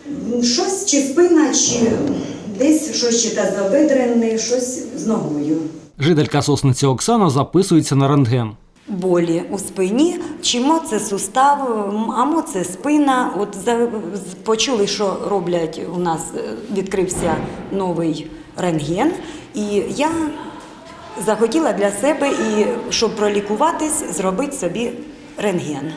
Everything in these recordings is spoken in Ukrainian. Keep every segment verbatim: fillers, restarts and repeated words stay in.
Щось чи спина, чи десь щось чи тазобедрене, щось з ногою. Жителька Сосниці Оксана записується на рентген. Болі у спині, чимо це сустав, амо це спина. От за, почули, що роблять, у нас відкрився новий рентген, і я захотіла для себе, і щоб пролікуватись, зробити собі рентген.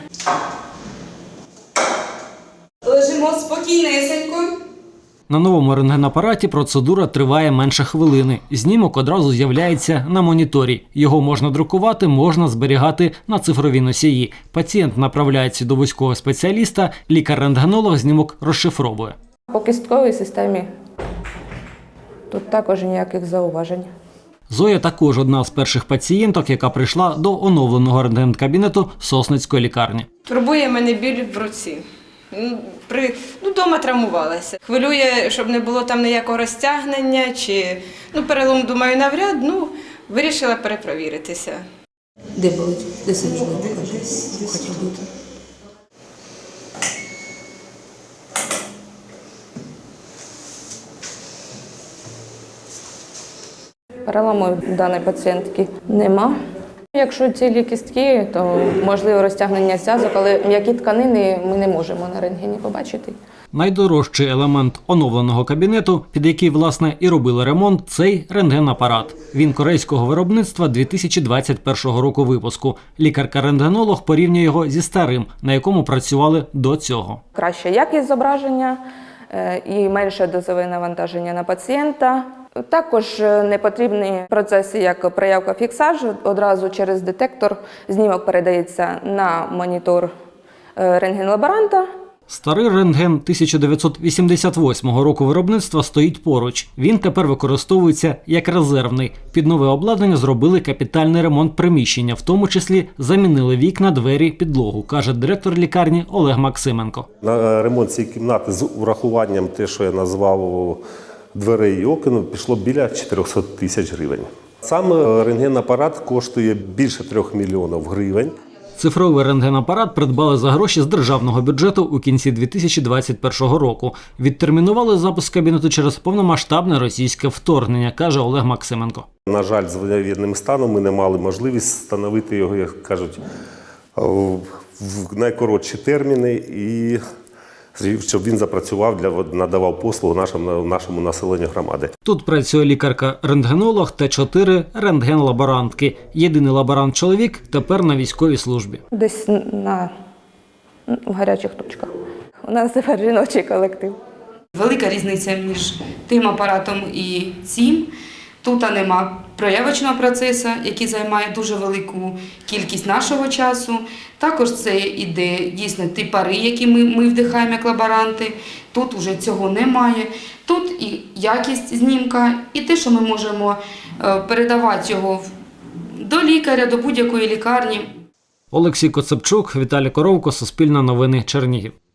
Лежимо спокійнесенько. На новому рентгенапараті процедура триває менше хвилини. Знімок одразу з'являється на моніторі. Його можна друкувати, можна зберігати на цифровій носії. Пацієнт направляється до вузького спеціаліста, лікар-рентгенолог знімок розшифровує. По кістковій системі тут також ніяких зауважень. Зоя також одна з перших пацієнток, яка прийшла до оновленого рентген-кабінету Сосницької лікарні. Турбує мене біль в руці. При, ну, дома травмувалася. Хвилює, щоб не було там ніякого розтягнення, чи ну, перелом, думаю, навряд, ну, вирішила перепровіритися. Де болить? Де сиджу? Хоча бути. Перелому даної пацієнтки нема. Якщо цілі кістки, то можливо розтягнення зв'язок, але м'які тканини ми не можемо на рентгені побачити. Найдорожчий елемент оновленого кабінету, під який, власне, і робили ремонт, цей рентген-апарат. Він корейського виробництва дві тисячі двадцять першого року випуску. Лікарка-рентгенолог порівнює його зі старим, на якому працювали до цього. Краща якість зображення і менше дозове навантаження на пацієнта. Також не потрібні процеси, як проявка фіксаж. Одразу через детектор знімок передається на монітор рентген-лаборанта. Старий рентген тисяча дев'ятсот вісімдесят восьмого року виробництва стоїть поруч. Він тепер використовується як резервний. Під нове обладнання зробили капітальний ремонт приміщення, в тому числі замінили вікна, двері, підлогу, каже директор лікарні Олег Максименко. На ремонт цієї кімнати з урахуванням те, що я назвав дверей і окон, пішло біля чотирьохсот тисяч гривень. Сам рентген-апарат коштує більше трьох мільйонів гривень. Цифровий рентген-апарат придбали за гроші з державного бюджету у кінці дві тисячі двадцять першого року. Відтермінували запуск кабінету через повномасштабне російське вторгнення, каже Олег Максименко. На жаль, з воєнним станом ми не мали можливість встановити його, як кажуть, в найкоротші терміни і щоб він запрацював, для надавав послугу нашому, нашому населенню громади. Тут працює лікарка-рентгенолог та чотири рентген-лаборантки. Єдиний лаборант-чоловік тепер на військовій службі. Десь на в гарячих точках. У нас тепер жіночий колектив. Велика різниця між тим апаратом і цим. Тут нема проявочного процесу, який займає дуже велику кількість нашого часу. Також це іде дійсно ті пари, які ми, ми вдихаємо як лаборанти. Тут вже цього немає. Тут і якість знімка, і те, що ми можемо передавати його до лікаря, до будь-якої лікарні. Олексій Коцепчук, Віталій Коровко, Суспільне новини, Чернігів.